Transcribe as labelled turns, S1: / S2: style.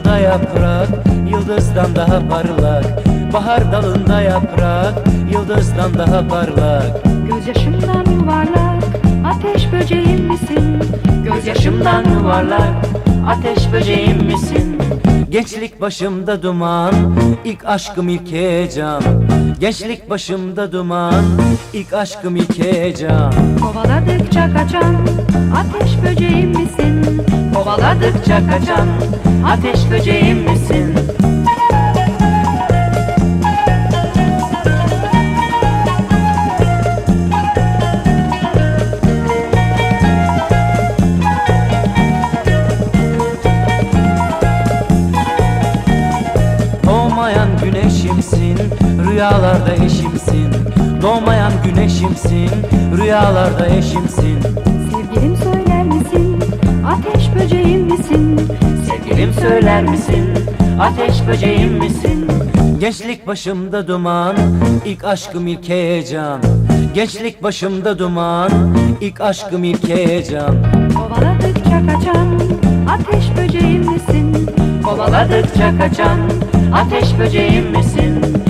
S1: dalında yaprak, yıldızdan daha parlak. Bahar dalında yaprak, yıldızdan daha parlak.
S2: Gözyaşımdan yuvarlak, ateş böceğim misin?
S1: Gözyaşımdan yuvarlak, ateş böceğim misin? Gençlik başımda duman, ilk aşkım ilk heyecan. Gençlik başımda duman, ilk aşkım ilk heyecan.
S2: Kovaladıkça kaçan, ateş böceğim misin?
S1: Kovaladıkça kaçan, ateş böceğim misin? Doğmayan güneşimsin, rüyalarda eşimsin. Doğmayan güneşimsin, rüyalarda eşimsin.
S2: Sevgilim söyler misin? Ateş böceğim misin?
S1: Sevgilim söyler misin, ateş böceğim misin? Gençlik başımda duman, ilk aşkım ilk heyecan. Gençlik başımda duman, ilk aşkım ilk heyecan.
S2: Kovaladıkça kaçan, ateş böceğim misin?
S1: Kovaladıkça kaçan, ateş böceğim misin?